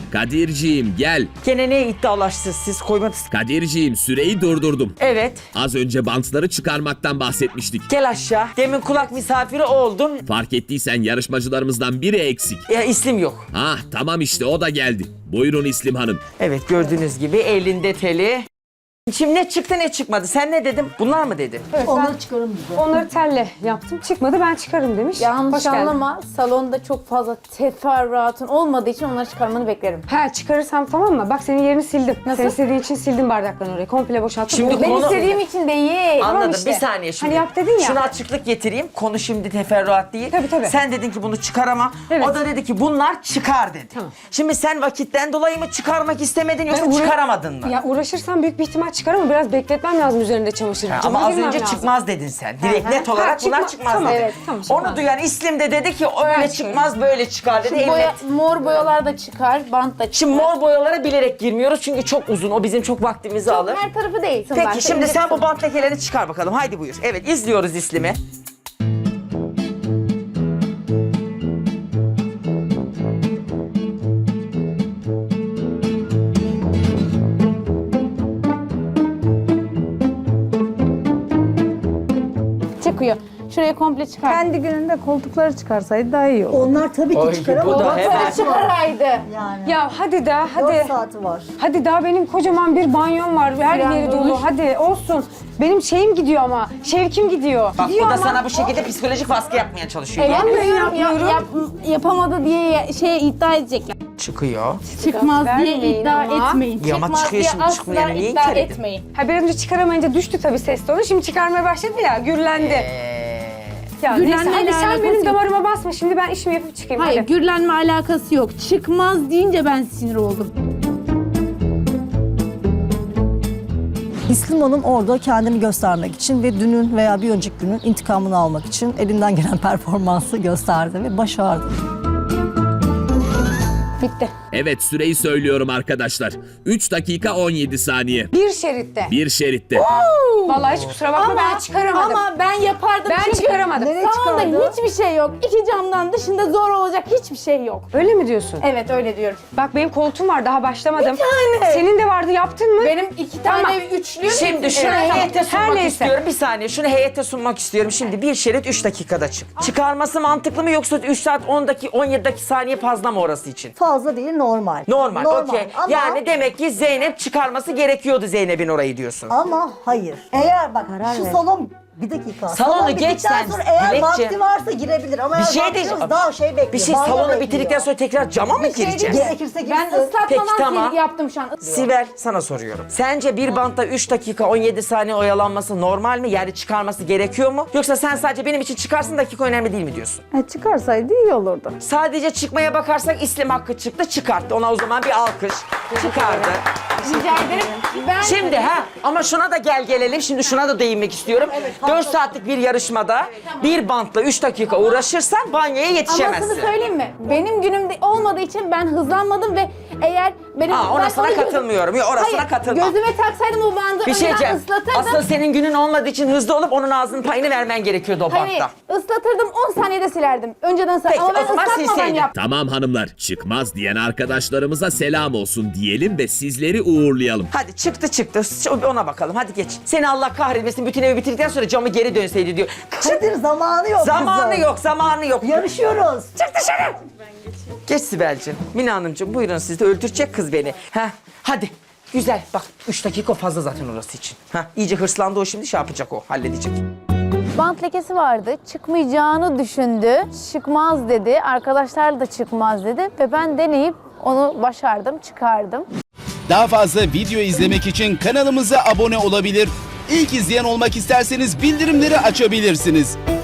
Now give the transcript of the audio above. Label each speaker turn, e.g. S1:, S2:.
S1: Kadirciğim gel.
S2: Gene ne iddialaştınız siz, koymadınız.
S1: Kadirciğim süreyi durdurdum.
S2: Evet.
S1: Az önce bantları çıkarmaktan bahsetmiştik.
S2: Gel aşağı. Demin kulak misafiri oldun.
S1: Fark ettiysen yarışmacılarımızdan biri eksik.
S2: Ya İslim yok.
S1: Ah tamam işte o da geldi. Buyurun İslim Hanım.
S2: Evet, gördüğünüz gibi elinde teli. Şimdi ne çıktı ne çıkmadı? Sen ne dedin? Bunlar mı dedin?
S3: Evet,
S4: Onları çıkarım bize.
S3: onları telle yaptım. Çıkmadı, ben çıkarım demiş.
S5: Yanlış
S3: Hoş geldin.
S5: anlama. Salonda çok fazla teferruatın olmadığı için onları çıkarmanı beklerim.
S3: Ha, çıkarırsam tamam mı? Bak senin yerini sildim.
S5: Nasıl?
S3: Sen istediğin için sildim bardaklarını oraya. Komple boşalttım.
S2: Şimdi
S3: O-
S5: Ben
S2: Konu-
S5: istediğim için değil.
S2: Anladım.
S3: işte.
S2: Bir saniye şimdi.
S3: Hani yap dedin ya.
S2: Şuna açıklık getireyim. Konu şimdi teferruat değil.
S3: Tabii, tabii.
S2: Sen dedin ki bunu çıkaramam.
S3: Evet.
S2: O da dedi ki bunlar çıkar dedi.
S3: Tamam.
S2: Şimdi sen vakitten dolayı mı çıkarmak istemedin yoksa
S3: Ben uğra-
S2: çıkaramadın mı?
S3: Ya uğraşırsam büyük bir ihtimal çıkar ama biraz bekletmem lazım üzerinde çamaşır.
S2: Ama
S3: Cama
S2: az
S3: girmem
S2: önce
S3: lazım.
S2: çıkmaz dedin sen. Direkt
S3: Hı hı.
S2: net olarak
S3: Ha,
S2: bunlar
S3: çıkma-
S2: çıkmaz
S3: tamam,
S2: dedin.
S3: evet, tamam, çıkmaz.
S2: Onu duyan İslim de dedi ki öyle çıkmaz böyle çıkar dedi.
S5: Şu
S2: Evet.
S5: mor boyalar da çıkar, bant da çıkar.
S2: Şimdi mor boyalara bilerek girmiyoruz çünkü çok uzun. O bizim çok vaktimizi alır.
S5: Her tarafı değil.
S2: Peki şimdi sen bu bant lekelerini çıkar bakalım. Haydi buyur. Evet, izliyoruz İslim'i.
S5: çıkıyor. Şurayı komple çıkar.
S6: Kendi gününde koltukları çıkarsaydı daha iyi olur.
S4: Onlar tabii ki
S2: Oy,
S4: çıkar
S2: bu
S4: ama
S2: da hemen.
S5: Şöyle çıkaraydı.
S4: yani
S3: Ya hadi daha,
S4: 4
S3: hadi.
S4: saati var.
S3: Hadi daha benim kocaman bir banyom var. Her
S5: Süren
S3: yeri dolu.
S5: dolmuş.
S3: Hadi olsun. Benim şeyim gidiyor ama. Şevkim gidiyor.
S2: Bak
S3: gidiyor
S2: bu da
S3: ama.
S2: sana bu şekilde psikolojik baskı yapmaya çalışıyor.
S5: Yapmıyorum.
S3: yapmıyorum.
S5: Yapamadı diye iddia edecekler.
S2: Çıkıyor.
S5: Çıkmaz diye
S3: vermeyin
S5: iddia
S3: ama.
S5: etmeyin.
S2: Ya ama
S5: Çıkmaz
S2: çıkıyor
S5: diye
S2: şimdi,
S5: asla
S2: çıkmayanı niye
S5: iddia
S2: inkar edin?
S5: etmeyin.
S3: Ha, biraz önce çıkaramayınca düştü tabii ses tonu. Şimdi çıkarmaya başladı ya. Gürlendi. Ya neyse,
S5: Gürlenmeyle
S3: hadi sen
S5: alakası
S3: benim
S5: yok.
S3: damarıma basma. Şimdi ben işimi yapıp çıkayım.
S5: Hayır,
S3: Hadi.
S5: gürlenme alakası yok. Çıkmaz deyince ben sinir oldum.
S4: İslim Hanım orada kendini göstermek için ve dünün veya bir önceki günün intikamını almak için elinden gelen performansı gösterdi ve başardı.
S5: Bitti.
S1: Evet süreyi söylüyorum arkadaşlar. 3 dakika 17 saniye.
S3: Bir şeritte.
S1: Bir şeritte.
S3: Vallahi hiç kusura bakma, ben çıkaramadım.
S5: Ama ben yapardım.
S3: Ben
S5: çünkü
S3: çıkaramadım.
S4: Nereye
S5: salonda
S4: çıkardı?
S5: hiçbir şey yok. İki camdan dışında zor olacak hiçbir şey yok.
S3: Öyle mi diyorsun?
S5: Evet, öyle diyorum.
S3: Bak benim koltuğum var, daha başlamadım.
S5: Bir tane.
S3: Senin de vardı, yaptın mı?
S5: Benim iki tane
S3: Tamam.
S5: üçlü.
S2: Şimdi şunu
S3: Evet,
S2: heyete
S3: tamam. Her
S2: sunmak
S3: neyse.
S2: istiyorum. Bir saniye şunu heyete sunmak istiyorum. Şimdi bir şerit 3 dakikada çık. Çıkarması mantıklı mı yoksa 3 saat 10 dakika 17 dakika saniye fazla mı orası için?
S4: Fazla değil, normal.
S2: Normal, okey.
S4: Ama,
S2: Yani demek ki Zeynep çıkarması gerekiyordu Zeynep'in orayı diyorsun.
S4: ama hayır. Eğer bak şu
S3: ver.
S4: salon bir dakika.
S2: Salonu
S4: Salon
S2: geç
S4: bittikten
S2: sen,
S4: sonra eğer
S2: Dilekçe.
S4: vakti varsa girebilir ama
S2: Bir
S4: eğer
S2: şey
S4: vaktiniz
S2: diyeceğim.
S4: daha şey bekliyor.
S2: Bir şey
S4: banyo
S2: salonu
S4: bekliyor.
S2: bitirdikten sonra tekrar cama mı gireceğiz?
S4: Gerekirse girsin.
S5: Ben ıslatmadan
S2: Peki, tamam.
S5: yaptım şu an.
S2: Sibel sana soruyorum. Sence bir bantta 3 dakika 17 saniye oyalanması normal mi? Yani çıkarması gerekiyor mu? Yoksa sen sadece benim için çıkarsın dakika önemli değil mi diyorsun?
S6: Çıkarsaydı iyi olurdu.
S2: Sadece çıkmaya bakarsak İslim hakkı çıktı çıkarttı. Ona o zaman bir alkış. Çıkardı.
S5: Rica ederim. Ben
S2: Şimdi ama şuna da gelelim. Şimdi şuna da değinmek istiyorum. 4 saatlik bir yarışmada bir bantla 3 dakika uğraşırsan banyoya yetişemezsin.
S5: Amasını söyleyeyim mi? Benim günümde olmadığı için ben hızlanmadım ve eğer benim...
S2: Ona
S5: ben
S2: sana
S5: onu
S2: katılmıyorum. Yok, orasına
S5: Hayır,
S2: katılmam.
S5: gözüme taksaydım o bandı
S2: Bir şey
S5: önden
S2: diyeceğim.
S5: ıslatırdım.
S2: Aslında senin günün olmadığı için hızlı olup onun ağzının payını vermen gerekiyordu o
S5: Hani
S2: bantta.
S5: ıslatırdım 10 saniyede silerdim. Önceden
S2: Peki,
S5: ama ben
S2: o zaman
S5: ıslatmadan
S2: silseydin.
S5: yaptım.
S1: Tamam hanımlar, çıkmaz diyen arkadaşlarımıza selam olsun diyelim ve sizleri uğurlayalım.
S2: Hadi çıktı. Ona bakalım. Hadi geç. Seni Allah kahretmesin. Bütün evi bitirdikten sonra camı geri dönseydi diyor.
S4: Kadir zamanı yok
S2: Zamanı
S4: kızım.
S2: yok, zamanı yok.
S4: Yarışıyoruz.
S2: Çık dışarı. Geç Sibel'ciğim. Mine Hanımcığım buyurun siz de öldürecek kız beni. Hadi. Güzel. Bak 3 dakika fazla zaten orası için. İyice hırslandı o şimdi şey yapacak o. Halledecek.
S5: Bant lekesi vardı. Çıkmayacağını düşündü. Çıkmaz dedi. Arkadaşlar da çıkmaz dedi. Ve ben deneyip onu başardım, çıkardım.
S7: Daha fazla video izlemek için kanalımıza abone olabilir. İlk izleyen olmak isterseniz bildirimleri açabilirsiniz.